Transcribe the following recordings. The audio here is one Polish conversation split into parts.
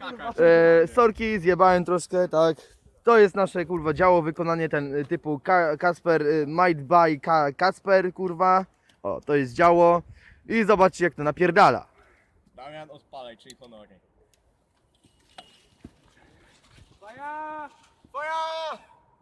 Sorki, zjebałem troszkę, tak. To jest nasze kurwa działo, wykonanie ten typu Kasper, Might by Kasper, kurwa. O, to jest działo. I zobaczcie jak to napierdala. Damian, odpalaj, czyli honory. Faja! Twoja!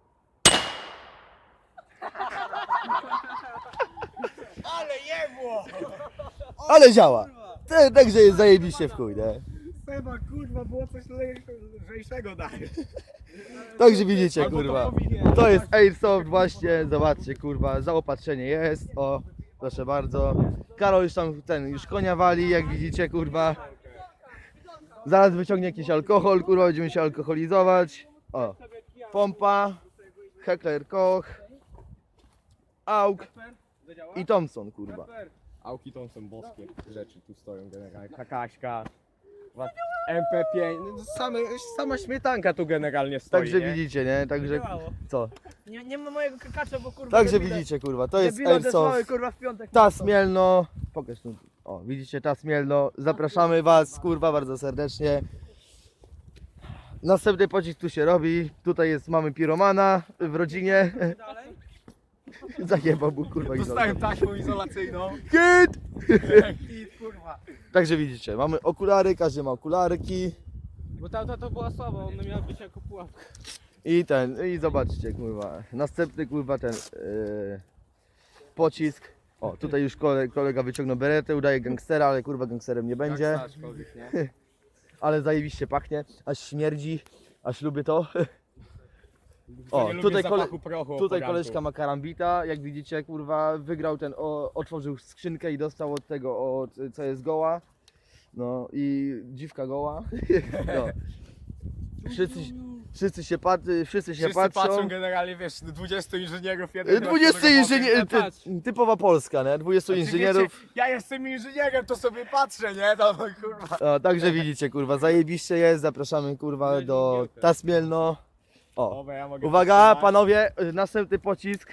Ale jebło! Ale działa. Także jest zajebiście w chuj, nie? Seba, kurwa, było coś lżejszego daje. Także widzicie, Albo to kurwa. powinien. To jest Airsoft właśnie, zobaczcie, kurwa, zaopatrzenie jest, o, proszę bardzo. Karol już tam już konia wali, jak widzicie, kurwa. Zaraz wyciągnie jakiś alkohol, kurwa, będziemy się alkoholizować. O, pompa, Heckler Koch, Auk i Thompson, kurwa. Auki to są boskie rzeczy, tu stoją generalnie. Kakaśka, MP5, no sama śmietanka tu generalnie stoi, Także nie? widzicie, nie? Także, Działało. co? Nie ma mojego kakacza, bo kurwa... Także debile- widzicie, kurwa, to jest debile odesłały, Airsoft. kurwa w piątek. Tas Mielno, pokaż tu. O, widzicie Tas Mielno, zapraszamy was, kurwa, bardzo serdecznie. Następny pocisk tu się robi, tutaj jest, mamy piromana w rodzinie. Dalej. Zajebał mu, kurwa, Dostałem izolator. taśmą izolacyjną. Kit! I kurwa. Także widzicie, mamy okulary, każdy ma okularki. Bo ta to była słaba, ona miała być jako pułapka. I zobaczcie, kurwa, następny, kurwa, ten pocisk. O, tutaj już kolega wyciągnął beretę, udaje gangstera, ale kurwa gangsterem nie będzie. Nie? Ale zajebiście pachnie, aż śmierdzi, aż lubię to. O, Nie lubię tutaj, zapachu prochu tutaj oporantu. koleżka ma karambita, jak widzicie, kurwa, wygrał ten, otworzył skrzynkę i dostał od tego, co jest goła. No i dziwka goła. No. Wszyscy się Wszyscy patrzą generalnie, wiesz, 20 inżynierów, jeden 20 inżynier, Patrz. typowa Polska, nie? 20 inżynierów. Ja jestem inżynierem, to sobie patrzę, nie? No kurwa. O, także widzicie, kurwa, zajebiście jest, zapraszamy, kurwa, do Tas Mielno. O, Dobra, ja mogę uwaga, powstrzymać. panowie, następny pocisk.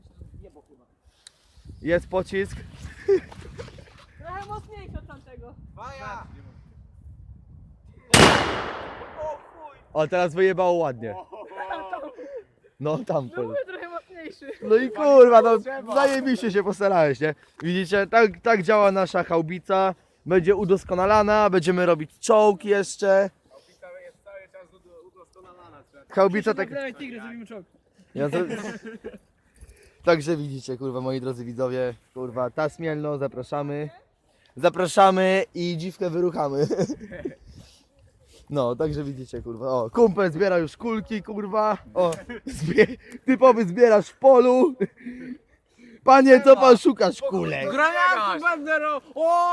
Jest pocisk. Trochę mocniejszy od tamtego. Maja! O, teraz wyjebało ładnie. No tam. No mówię, trochę mocniejszy. No i kurwa, no zajebiście się postarałeś, nie? Widzicie, tak działa nasza chałbica. Będzie udoskonalana, będziemy robić czołg jeszcze. Opisałem jest cały czas udoskonalana. Chałbica tak... Dawaj tigry, zrobimy czołg. Ja to... Także widzicie, kurwa, moi drodzy widzowie, kurwa, Tas Mielno, zapraszamy. Zapraszamy i dziwkę wyruchamy. No, także widzicie, kurwa, o, kumpel zbiera już kulki, kurwa, o, typowy zbierasz w polu. Panie, co pan szukasz, kulek? Granatu, bandero! O!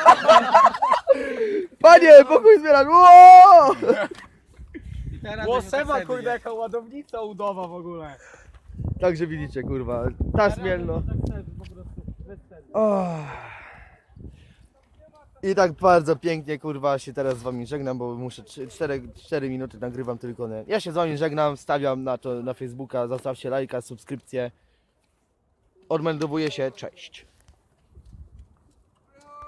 Panie, pokój zbierasz, ło! Bo Seba, kurde, jaka ładownica udowa w ogóle. Także widzicie, kurwa, Tas Mielno. Tak sobie po prostu, bez celu. Oh. I tak bardzo pięknie, kurwa, się teraz z wami żegnam, bo muszę 4 minuty nagrywam tylko, nie? Ja się z wami żegnam, stawiam na to na Facebooka, zostawcie lajka, subskrypcję. Odmeldowuję się, cześć.